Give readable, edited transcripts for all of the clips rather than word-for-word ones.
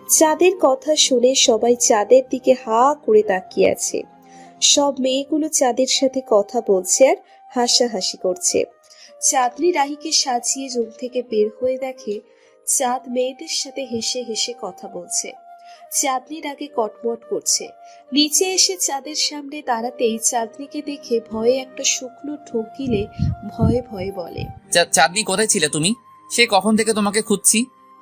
চাঁদের কথা শুনে সবাই চাঁদের দিকে হা করে তাকিয়ে আছে। সব মেয়েগুলো চাঁদের সাথে কথা বলছে আর হাসাহাসি করছে। চাঁদনি রাহিকে সাজিয়ে রুম থেকে বের হয়ে দেখে চাঁদ মেয়েদের সাথে হেসে হেসে কথা বলছে। চাঁদনির আগে কটমট করছে। নিচে এসে চাঁদের সামনে দাঁড়াতেই চাঁদনিকে দেখে ভয়ে একটা শুকনো ঢোক গিলে ভয়ে ভয়ে বলে, চাঁদনি, কোথায় ছিলে তুমি? সে কখন থেকে তোমাকে খুঁজছি।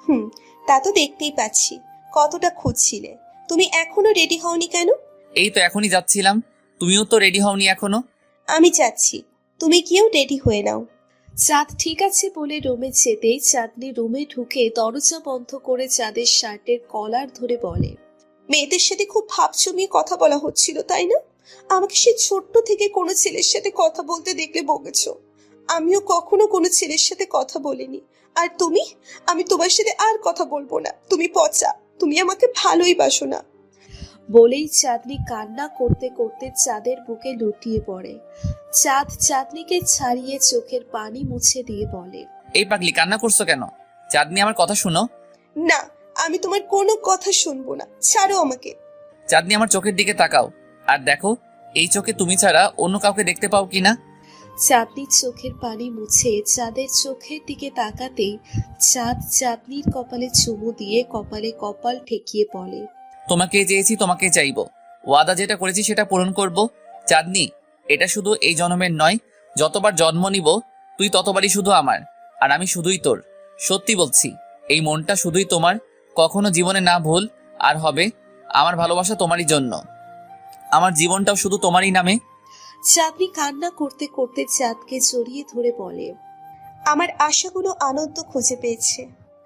তা তো দেখতেই পাচ্ছি। কতটা খুঁজছিলে। তুমি এখনো রেডি হওনি কেন? এই তো এখনই যাচ্ছিলাম। তুমিও তো রেডি হওনি এখনো। আমি যাচ্ছি, তুমি গিয়েও রেডি হয়ে নাও। চাঁদ ঠিক আছে বলে রুমে যেতেই চাঁদনি রুমে ঢুকে দরজা বন্ধ করে চাঁদের শার্টের কলার ধরে বলে, মেয়েদের সাথে খুব ভাব জমিয়ে কথা বলা হচ্ছিল তাই না? আমাকে সে ছোট্ট থেকে কোনো ছেলের সাথে কথা বলতে দেখলে বকেছ। আমিও কখনো কোনো ছেলের সাথে কথা বলিনি। আর তুমি? আমি তোমার সাথে আর কথা বলবো না। তুমি পচা, তুমি আমাকে ভালোই বাসো না। বলেই চাঁদনি কান্না করতে করতে চাঁদের বুকে লুটিয়ে পড়ে। চাঁদ চাঁদনিকে ছাড়িয়ে চোখের পানি মুছে দিয়ে বলে, এই পাগলি, কান্না করছো কেন? চাঁদনি, আমার কথা শুনো। না, আমি তোমার কোনো কথা শুনবো না, ছাড়ো আমাকে। চাঁদনি, আমার চোখের দিকে তাকাও আর দেখো এই চোখে তুমি ছাড়া অন্য কাউকে দেখতে পাও কিনা। চাঁদনি চোখের পানি মুছে চাঁদের চোখের দিকে তাকাতেই চাঁদ চাঁদনির কপালে চুমু দিয়ে কপালে কপাল ঠেকিয়ে বলে, তোমাকে চেয়েছি, তোমাকে চাইবো। ওয়াদা যেটা করেছি সেটা পূরণ করব। চাঁদনি, এটা শুধু এই জন্মের নয়, যতবার জন্ম নিব তুই ততবারই শুধু আমার, আর আমি শুধুই তোর। সত্যি বলছি, এই মনটা শুধুই তোমার। কখনো জীবনে না ভুল আর হবে। আমার ভালোবাসা তোমারই জন্য, আমার জীবনটাও শুধু তোমারই নামে। চাঁদনি কান্না করতে করতে চাঁদকে জড়িয়ে ধরে বলে, আমার আশাগুলো আনন্দ খুঁজে পেয়েছে।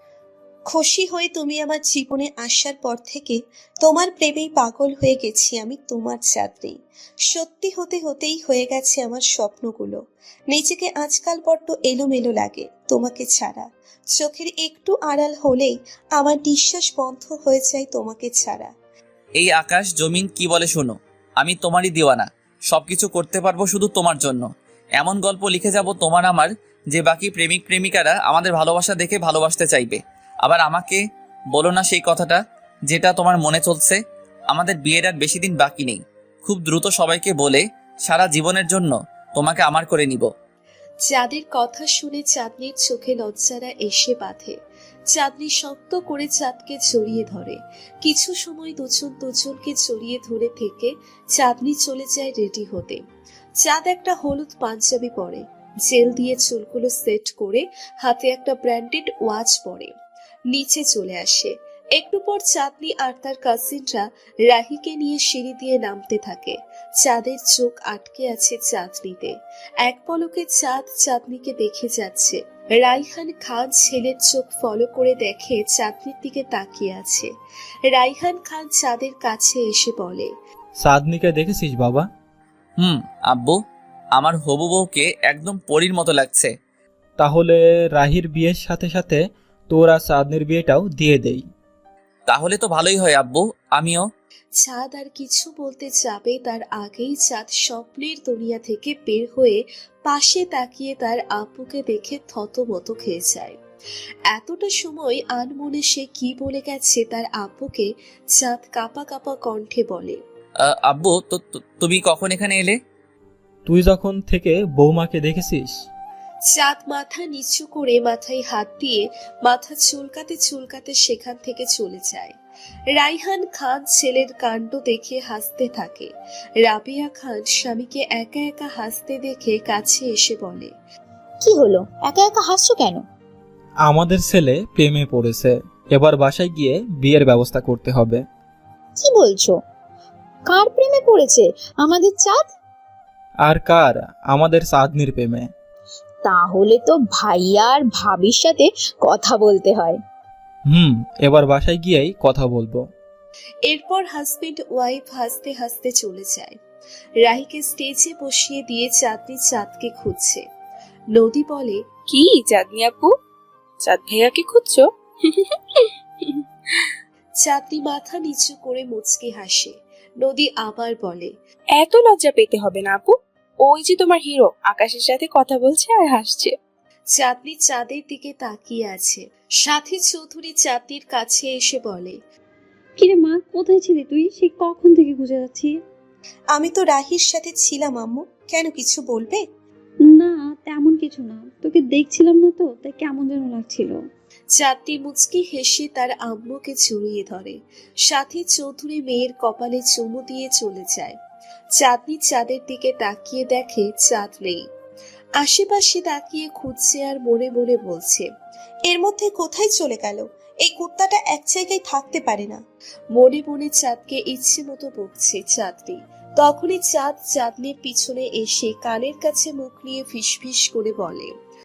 খুশি হয়ে তুমি আমার জীবনে আসার পর থেকে তোমার প্রেমেই পাগল হয়ে গেছি আমি, তোমার চাঁদনি। সত্যি হতে হতেই হয়ে গেছে আমার স্বপ্নগুলো। নিজেকে আজকাল বড্ড এলোমেলো লাগে তোমাকে ছাড়া। চোখের একটু আড়াল হলেই আমার নিঃশ্বাস বন্ধ হয়ে যায় তোমাকে ছাড়া। এই আকাশ জমিন কি বলে শোনো, আমি তোমারই দিওয়ানা। সবকিছু করতে পারবো শুধু তোমার জন্য। এমন গল্প লিখে যাব তোমার আমার, যে বাকি প্রেমিক প্রেমিকারা আমাদের ভালোবাসা দেখে ভালোবাসতে চাইবে। আবার আমাকে বলো না সেই কথাটা যেটা তোমার মনে চলছে। আমাদের বিয়ের আর বেশি দিন বাকি নেই। খুব দ্রুত সবাইকে বলে সারা জীবনের জন্য তোমাকে আমার করে নিব। চাঁদের কথা শুনে চাঁদনির চোখে লজ্জারা এসে বাঁধে। চাঁদনি শক্ত করে চাঁদকে জড়িয়ে ধরে। কিছু সময় দুজন দুজনকে জড়িয়ে ধরে থেকে চাঁদনি চলে যায় রেডি হতে। চাঁদ একটা হলুদ পাঞ্জাবি পরে, জেল দিয়ে চুলগুলো সেট করে হাতে একটা ব্র্যান্ডেড ওয়াচ পরে নিচে চলে আসে। একটু পর চাঁদনি আর তার কাজিনরা রাহিকে নিয়ে সিঁড়ি দিয়ে নামতে থাকে। চাঁদের চোখ আটকে আছে চাঁদনিতে। এক পলকে চাঁদ চাঁদনিকে দেখে যাচ্ছে। রাইহান খান ছেলের চোখ ফলো করে দেখে চাঁদনির দিকে তাকিয়ে আছে। রাইহান খান চাঁদের কাছে এসে বলে, চাঁদনিকে দেখেছিস বাবা? আব্বু, আমার হবু বউকে একদম পরীর মতো লাগছে। তাহলে রাহির বিয়ের সাথে সাথে তোর আর চাঁদনির বিয়েটাও দিয়ে দেই। তাহলে তো ভালোই হয় আব্বু, আমিও। চাঁদ আর কিছু বলতে যাবে তার আগেই চাঁদ স্বপ্নের দুনিয়া থেকে বের হয়ে পাশে তাকিয়ে তার আব্বুকে দেখে থতমত খেয়ে যায়। এতটা সময় আনমনে সে কি বলে গেছে তার আব্বুকে চাঁদ কাঁপা কাঁপা কণ্ঠে বলে, আব্বু, তুমি কখন এখানে এলে? তুই যখন থেকে বৌমাকে দেখেছিস। চাঁদ মাথা নিচু করে মাথায় হাত দিয়ে মাথা চুলকাতে চুলকাতে সেখান থেকে চলে যায়। রাইহান খান ছেলের কাণ্ড দেখে হাসতে থাকে। রাবিয়া খান স্বামীকে একা একা হাসতে দেখে কাছে এসে বলে, কি হলো, একা একা হাসছো কেন? আমাদের ছেলে প্রেমে পড়েছে, এবার বাসায় গিয়ে বিয়ের ব্যবস্থা করতে হবে। কি বলছো? কার প্রেমে পড়েছে আমাদের চাঁদ? আর কার? আমাদের চাঁদনির প্রেমে। তাহলে তো ভাইয়া আর ভাবির সাথে কথা বলতে হয়। এবার বাসায় গিয়েই কথা বলবো। এরপর হাজবেন্ড ওয়াইফ হাসতে হাসতে চলে যায়। রাহিকে স্টেজে বসিয়ে দিয়ে চাঁদনি চাঁদকে খুঁজছে। নদী বলে, কি চাঁদনি আপু, চাঁদ ভাইয়াকে খুঁজছো? চাঁদনি মাথা নিচু করে মুচকি হাসে। নদী আবার বলে, এত লজ্জা পেতে হবে না আপু, ওই যে তোমার হিরো আকাশের সাথে কথা বলছে আর হাসছে। চাঁদনি চাঁদের দিকে তাকিয়ে আছে। সাথী চৌধুরী চাঁদনির কাছে এসে বলে, কিরে মা, কোথায় ছিলি তুই? সেই কখন থেকে খুঁজে যাচ্ছি। আমি তো রাহির সাথে ছিলাম আম্মু। কেন, কিছু বলবে? না, তেমন কিছু না, তোকে দেখছিলাম না তো, তাই কেমন যেন লাগছিল। চাঁদনি মুচকি হেসে তার আম্মুকে জড়িয়ে ধরে, সাথে চৌধুরী মেয়ের কপালে চুমু দিয়ে চলে যায়। চাঁদনি চাঁদের দিকে তাকিয়ে দেখে চাঁদ নেই। আশেপাশে তাকিয়ে খুঁজছে আর মনে মনে বলছে, এর মধ্যে কোথায় চলে গেল? এই কুত্তাটা এক জায়গায় থাকতে পারে না। মনে মনে চাঁদকে ইচ্ছে মতো বকছে চাঁদনি। তখনই চাঁদ চাঁদনির পিছনে এসে কানের কাছে মুখ নিয়ে ফিসফিস করে বলে,